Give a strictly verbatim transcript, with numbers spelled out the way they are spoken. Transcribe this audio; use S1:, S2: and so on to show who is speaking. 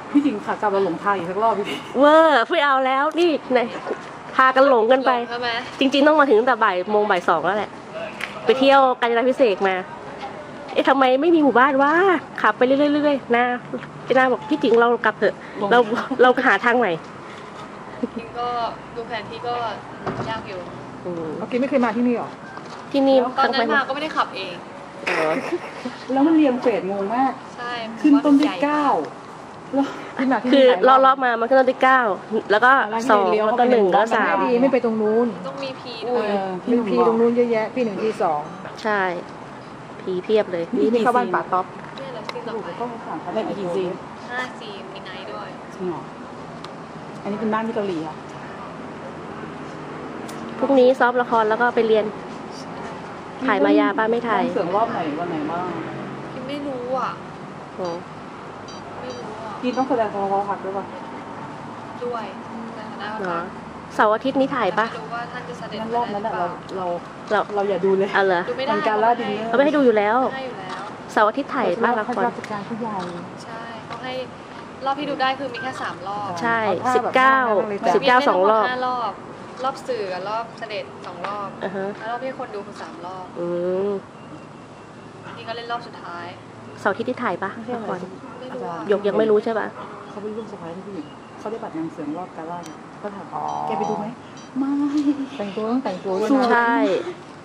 S1: พี่จริงค่ะกลับมาหลงทางอีกสักรอบพี่
S2: เวอร์ไม่เอาแล้วนี่ไหนพากันหลงกันไปจริงๆต้องมาถึงตั้งแต่บ่ายโมงบ่ายสองแล้วแหละไปเที่ยวกาญจนาพิเศษมาเอ๊ะทำไมไม่มีหมู่บ้านวะขับไปเรื่อยๆนาพี่นาบอกพี่จริงเรากลับเถอะเราเราหาทางใหม่
S3: จริงก็ดูแผนที่ก็ยากอยู่
S1: เมื่อกี้ไม่เคยมาที่นี่หรอ
S2: ที่นี่
S3: ตอนนั้นมาก็ไม่ได้ขับเอง
S1: แล้วมันเรียงเฟสงงมาก
S3: ใช่
S1: ขึ้นต้นที่เก้า
S2: คือรอบๆมามันขึ้นต้นที่เก้าแล้วก็สองแล้วก็หนึ่งแล้วสาม
S1: ดีไม่ไปตรงนู้น
S3: ต้องมีพีด้วย
S1: มีพีตรงนู้นเยอะแยะพี่หนึ่งพีสอง
S2: ใช่พีเพียบเลย
S1: นี่นี่เข้าบ้านป่าต๊อป
S3: เนี่ยเราซีนต่อไป
S1: ก็สั่งเขาได้กี่ซีน
S3: ห้าซีนมีไนท์ด้วย
S1: จริงเหรออันนี้เป็นบ้านที่เกาหลีอ่ะ
S2: พรุ่งนี้ซ้อมละครแล้วก็ไปเรียนถ่ายมายาป้าไม่ถ่าย
S1: เสียงรอบไหนวันไหนบ้าง
S3: กินไม่รู้อ่ะไม่รู้อ่ะ
S1: กินต้องแสดงความรักด้วยป่ะ
S3: ด้วย
S2: เหรอเสาร์อาทิตย์นี้ถ่ายปะ
S3: รู้ว่าท่านจะเสด็จ
S1: รอบนั้นเราเรา
S2: เรา
S1: เราอย่าดูเลย
S2: เอาเหรอ
S1: มันการล่าดิน
S2: เขาไม่ให้ดูอยู่แล้วเสาร์อาทิตย์ถ่ายบ้างละคร
S1: การผู้ใหญ่
S3: ใช่เขาให้รอบที่ดูได้คือมีแค่สามรอบ
S2: ใช่สิบเก้าสิบเก้าสองรอบ
S3: ห้ารอบรอบสื่อกับรอบเสด็จสองรอบแล้วรอบที่คนดูคือสามรอบ
S2: อืม
S3: นี่ก็เล่นรอบสุดท้าย
S2: เสาร์อาทิตย์ที่ถ่ายปะละครยกยังไม่รู้ใช่ปะ
S1: เขาเป็นลูกสะใภ้ที่ผู้หญิงเขาได้บัตรนางเสือรอบการล่าก็ถามแกไปดูไหมไม่แต่งตัวต้องแต่งตัวด้วย
S2: ใช่